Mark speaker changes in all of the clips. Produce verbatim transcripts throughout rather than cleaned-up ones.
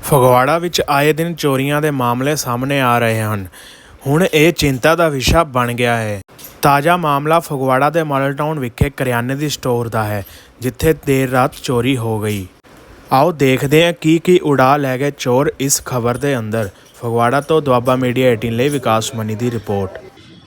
Speaker 1: ਫਗਵਾੜਾ ਵਿੱਚ ਆਏ ਦਿਨ ਚੋਰੀਆਂ ਦੇ ਮਾਮਲੇ ਸਾਹਮਣੇ ਆ ਰਹੇ ਹਨ। ਹੁਣ ਇਹ ਚਿੰਤਾ ਦਾ ਵਿਸ਼ਾ ਬਣ ਗਿਆ ਹੈ। ਤਾਜ਼ਾ ਮਾਮਲਾ ਫਗਵਾੜਾ ਦੇ ਮਾਡਲ ਟਾਊਨ ਵਿਖੇ ਕਰਿਆਨੇ ਦੀ ਸਟੋਰ ਦਾ ਹੈ, ਜਿੱਥੇ ਦੇਰ ਰਾਤ ਚੋਰੀ ਹੋ ਗਈ। ਆਓ ਦੇਖਦੇ ਹਾਂ ਕੀ ਕੀ ਉਡਾ ਲੈ ਗਏ ਚੋਰ ਇਸ ਖਬਰ ਦੇ ਅੰਦਰ। ਫਗਵਾੜਾ ਤੋਂ ਦੁਆਬਾ ਮੀਡੀਆ ਅਠਾਰਾਂ ਲਈ ਵਿਕਾਸ ਮਨੀ ਦੀ ਰਿਪੋर्ट।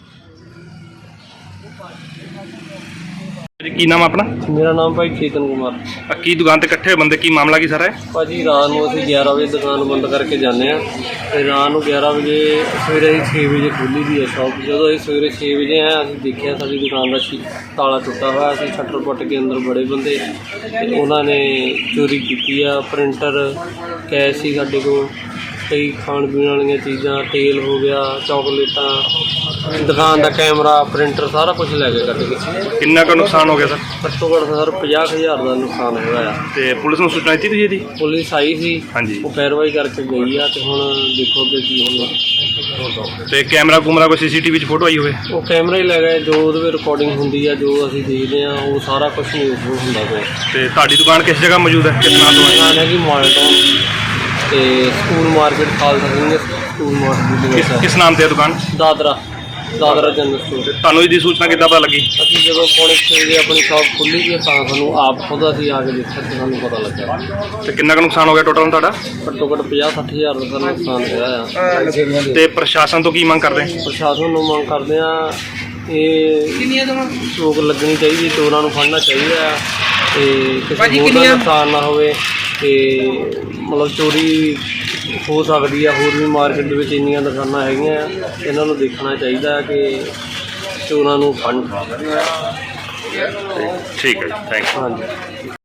Speaker 2: जी की नाम अपना?
Speaker 3: मेरा नाम भाई चेतन कुमार।
Speaker 2: आ, की दुकान ते इकट्ठे बंदे की मामला की सारा है?
Speaker 3: भाजी रात को असं ग्यारह बजे दुकान बंद करके जाने तो रात को ग्यारह बजे सवेरे ही छे बजे खुली दी है शॉप। जो अं सवेरे छे बजे आए असं देखा साड़ी दुकान का ताला टुटा हुआ, असं शटर पुट के अंदर बड़े बंदे उन्होंने चोरी की है। प्रिंटर कैश ही साढ़े को, कई खाण पीने वाली चीज़ा, तेल हो गया, चॉकलेटा, दुकान का कैमरा, प्रिंटर सारा कुछ लैके कट गए।
Speaker 2: कितना का नुकसान हो गया सर?
Speaker 3: घट्टो घट्ट सर पचास हज़ार का नुकसान होया।
Speaker 2: ते पुलिस ने सूचना दी थी?
Speaker 3: पुलिस आई सी,
Speaker 2: हाँ जी,
Speaker 3: वो पैरवाई करके गई है। तो हुण देखो कि की हुण
Speaker 2: ते कैमरा कुमरा कोई सीसीटीवी फोटो आई हुए?
Speaker 3: वो कैमरा ही लै गए, जो वो रिकॉर्डिंग होंगी है, जो असीं देखते हैं वो सारा कुछ न्यूज़ होंदा पिया।
Speaker 2: ते तुहाडी दुकान किस जगह मौजूद है? किस नाम तो है?
Speaker 3: दुकान है कि माडल टाउन ते school market, Khalsa Singh school market.
Speaker 2: किस, किस नाम ते है दुकान?
Speaker 3: Dadra Dadra general store.
Speaker 2: ਤੁਹਾਨੂੰ ਇਹਦੀ सूचना किद्दां पता लगी?
Speaker 3: ਅਸੀਂ ਜਦੋਂ ਪੌਣੇ ਛੇ ਵਜੇ ਆਪਣੀ ਸ਼ਾਪ ਖੁੱਲ੍ਹੀ ਸੀ ਤਾਂ ਸਾਨੂੰ ਆਪ ਖੁਦ ਅਸੀਂ ਆ ਕੇ ਦੇਖਿਆ ਤੇ ਸਾਨੂੰ ਪਤਾ ਲੱਗਾ।
Speaker 2: ਤੇ ਕਿੰਨਾ ਕੁ ਨੁਕਸਾਨ ਹੋ ਗਿਆ ਟੋਟਲ ਤੁਹਾਡਾ?
Speaker 3: ਘੱਟੋ ਘੱਟ ਪੰਜਾਹ ਸੱਠ ਹਜ਼ਾਰ ਦਾ ਨੁਕਸਾਨ ਹੋਇਆ ਆ।
Speaker 2: ਤੇ ਪ੍ਰਸ਼ਾਸਨ ਤੋਂ ਕੀ ਮੰਗ ਕਰਦੇ?
Speaker 3: ਪ੍ਰਸ਼ਾਸਨ ਨੂੰ ਮੰਗ ਕਰਦੇ ਆ ਇਹ ਰੋਕ ਲੱਗਣੀ ਚਾਹੀਦੀ, ਚੋਰਾਂ ਨੂੰ ਫੜਨਾ ਚਾਹੀਦਾ ਤੇ ਕਿਸੇ ਹੋਰ ਦਾ ਨੁਕਸਾਨ ਨਾ ਹੋਵੇ। ਤੇ ਮਤਲਬ ਚੋਰੀ ਹੋ ਸਕਦੀ ਆ, ਹੋਰ ਵੀ ਮਾਰਕੀਟ ਦੇ ਵਿੱਚ ਇੰਨੀਆਂ ਦੁਕਾਨਾਂ ਹੈਗੀਆਂ, ਇਹਨਾਂ ਨੂੰ ਦੇਖਣਾ ਚਾਹੀਦਾ ਕਿ ਚੋਰਾਂ ਨੂੰ ਫੜਨ।
Speaker 2: ਠੀਕ ਹੈ ਜੀ, ਥੈਂਕ ਯੂ।
Speaker 3: ਹਾਂਜੀ।